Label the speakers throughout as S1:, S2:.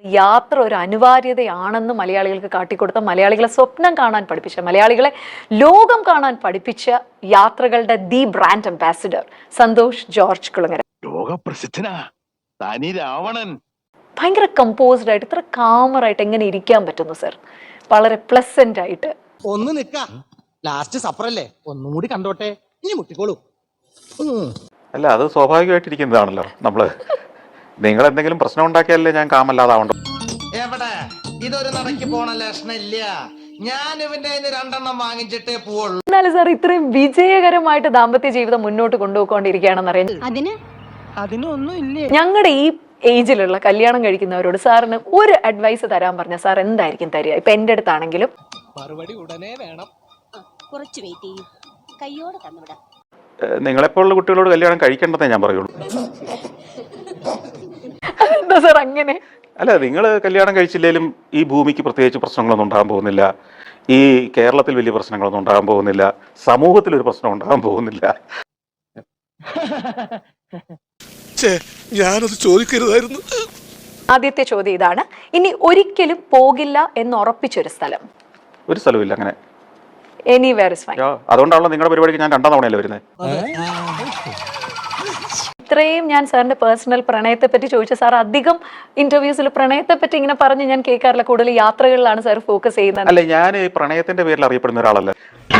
S1: യാത്ര ഒരു അനിവാര്യതയാണെന്ന് മലയാളികൾക്ക് കാട്ടിക്കൊടുത്ത, മലയാളികളെ സ്വപ്നം കാണാൻ പഠിപ്പിച്ച, മലയാളികളെ ലോകം കാണാൻ പഠിപ്പിച്ച യാത്രകളുടെ the brand ambassador Santhosh George Kulangara.
S2: ലോകപ്രസിദ്ധനാ തനി രാവണൻ.
S1: ഭയങ്കര കമ്പോസ്ഡ് ആയിട്ട്, ഇത്ര കാമറായിട്ട് എങ്ങനെ ഇരിക്കാൻ പറ്റുന്നു സർ? വളരെ പ്ലസന്റ് ആയിട്ട്.
S3: ഒന്ന് നിക്ക, ലാസ്റ്റ് സപ്പറല്ലേ, ഒന്നും കൂടി കണ്ടോട്ടെ, ഇനി മുട്ടിക്കോളൂ.
S4: അല്ല, അത് സ്വാഭാവികമായിട്ടിരിക്കുന്നതാണല്ലോ. നിങ്ങൾ എന്തെങ്കിലും പ്രശ്നം ഉണ്ടാക്കിയാലേ ഞാൻ കാമല്ലാതാവണ്ടോ?
S3: എവിടെ ഇതൊരു നടക്ക് പോണ ലക്ഷണില്ല. ഞാൻ ഇവന്റെ രണ്ടെണ്ണം വാങ്ങിച്ചിട്ടേ പോവുള്ളൂ.
S1: എന്നാലും സാർ ഇത്രയും വിജയകരമായിട്ട് ദാമ്പത്യ ജീവിതം മുന്നോട്ട് കൊണ്ടുപോയിക്കൊണ്ടിരിക്കുകയാണെന്ന് അറിയാം.
S3: അതിനൊന്നും ഇല്ലേ.
S1: ഞങ്ങളുടെ ഈ ഏജിലുള്ള കല്യാണം കഴിക്കുന്നവരോട് സാറിന് ഒരു അഡ്വൈസ് തരാൻ പറഞ്ഞ സാർ എന്തായിരിക്കും തരിക? ഇപ്പൊ എന്റെ അടുത്താണെങ്കിലും
S3: മറുപടി ഉടനെ വേണം.
S5: കുറച്ച് വെയിറ്റ് ചെയ്യും, കയ്യോടെ തന്നുവിടാം.
S4: നിങ്ങളെപ്പോലുള്ള കുട്ടികളോട് കല്യാണം കഴിക്കേണ്ടതേ ഞാൻ പറയുള്ളൂ.
S1: എന്താ സാർ അങ്ങനെ?
S4: അല്ല, നിങ്ങൾ കല്യാണം കഴിച്ചില്ലെങ്കിലും ഈ ഭൂമിക്ക് പ്രത്യേകിച്ച് പ്രശ്നങ്ങളൊന്നും ഉണ്ടാകാൻ പോകുന്നില്ല. ഈ കേരളത്തിൽ വലിയ പ്രശ്നങ്ങളൊന്നും ഉണ്ടാകാൻ പോകുന്നില്ല. സമൂഹത്തിൽ ഒരു പ്രശ്നം ഉണ്ടാകാൻ പോകുന്നില്ല.
S2: ഞാനത് ചോദിക്കരുതായിരുന്നു.
S1: ആദ്യത്തെ ചോദ്യം ഇതാണ്, ഇനി ഒരിക്കലും പോകില്ല എന്ന് ഉറപ്പിച്ചൊരു സ്ഥലം?
S4: ഒരു സ്ഥലമില്ല അങ്ങനെ.
S1: Anywhere is fine.
S4: അതുകൊണ്ടാണല്ലോ നിങ്ങളുടെ പരിപാടിക്ക് ഞാൻ 2 തവണയല്ലേ വരുന്നത്.
S1: ഇത്രയും ഞാൻ സാറിന്റെ പേഴ്സണൽ പ്രണയത്തെ പറ്റി ചോദിച്ച സാർ അധികം ഇന്റർവ്യൂസിൽ പ്രണയത്തെ പറ്റി ഇങ്ങനെ പറഞ്ഞ് ഞാൻ കേൾക്കാറില്ല. കൂടുതൽ യാത്രകളിലാണ് സാർ ഫോക്കസ് ചെയ്യുന്നത്.
S4: അല്ല, ഞാൻ ഈ പ്രണയത്തിന്റെ പേരിൽ അറിയപ്പെടുന്ന ഒരാളല്ല.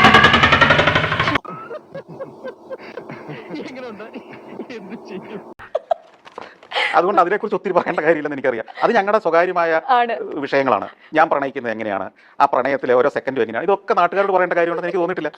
S4: അതുകൊണ്ട് അതിനെക്കുറിച്ച് ഒത്തിരി പറയേണ്ട കാര്യമില്ലെന്ന് എനിക്കറിയാം. അത് ഞങ്ങളുടെ സ്വകാര്യമായ വിഷയങ്ങളാണ്. ഞാൻ പ്രണയിക്കുന്നത് എങ്ങനെയാണ്, ആ പ്രണയത്തിലെ ഓരോ സെക്കൻഡും എങ്ങനെയാണ്, ഇതൊക്കെ നാട്ടുകാരോട് പറയേണ്ട കാര്യമുണ്ടെന്ന് എനിക്ക് തോന്നിയിട്ടില്ല.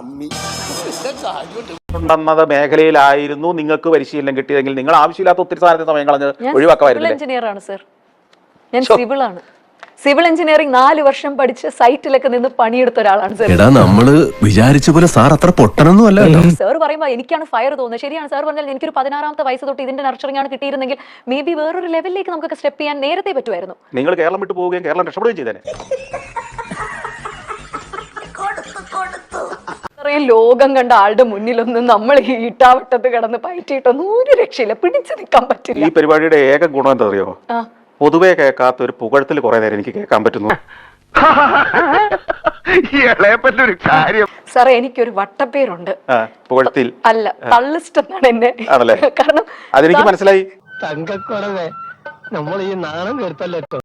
S4: ഉണ്ടെന്നത് മേഖലയിലായിരുന്നു നിങ്ങൾക്ക് പരിശീലനം കിട്ടിയതെങ്കിൽ നിങ്ങൾ ആവശ്യമില്ലാത്ത ഒത്തിരി സാധനത്തെ സമയം കളഞ്ഞ് ഒഴിവാക്കാമായിരുന്നു.
S1: എഞ്ചിനീയർ ആണ് സർ, ഞാൻ സിവിൾ ആണ്. സിവിൽ എഞ്ചിനീയറിംഗ് 4 വർഷം പഠിച്ച് സൈറ്റിലൊക്കെ നിന്ന് പണിയെടുത്ത ഒരാളാണ് സർ.
S6: നമ്മള് വിചാരിച്ച പോലെ സാർ അത്ര പൊട്ടനൊന്നും അല്ല.
S1: സാർ പറയുമ്പോൾ എനിക്കാണ് ഫയർ തോന്നുന്നത്. ശരിയാണ് സാർ പറഞ്ഞാൽ, എനിക്കൊരു 16ാമത്തെ വയസ്സ് തൊട്ട് ഇതിന്റെ നർച്ചറിംഗ് ആണ് കിട്ടിയിരുന്നെങ്കിൽ മേ ബി വേറൊരു ലെവലിലേക്ക് നമുക്കൊക്കെ സ്റ്റെപ്പ് ചെയ്യാൻ നേരത്തെ പറ്റുമായിരുന്നു.
S4: നിങ്ങൾ കേരളം വിട്ടു പോവുകയും കേരളം രക്ഷപ്പെടുകയും ചെയ്തേനെ.
S1: ഇത്രയും ലോകം കണ്ട ആളുടെ മുന്നിലൊന്നും നമ്മൾ ഈ ഇട്ടാവട്ടത്ത് കിടന്ന് പയറ്റിയിട്ടൊന്നും ഒരു രക്ഷയില്ല, പിടിച്ചു നിൽക്കാൻ പറ്റില്ല.
S4: ഈ പരിപാടിയുടെ ഏക ഗുണം എന്താ അറിയോ? പൊതുവെ കേൾക്കാത്ത ഒരു പുകഴത്തിൽ കുറെ നേരം എനിക്ക് കേൾക്കാൻ പറ്റുന്നു.
S1: സാറേ, എനിക്കൊരു വട്ടപ്പേരുണ്ട്.
S4: പുകഴത്തിൽ
S1: അല്ല, തള്ളിസ്റ്റ് എന്നാണ് എന്നെ.
S4: ആണല്ലേ?
S1: കാരണം
S4: അതെനിക്ക് മനസ്സിലായി.
S3: തങ്കക്കുറവേ, നമ്മൾ ഈ നാണം കേട്ടല്ലോ.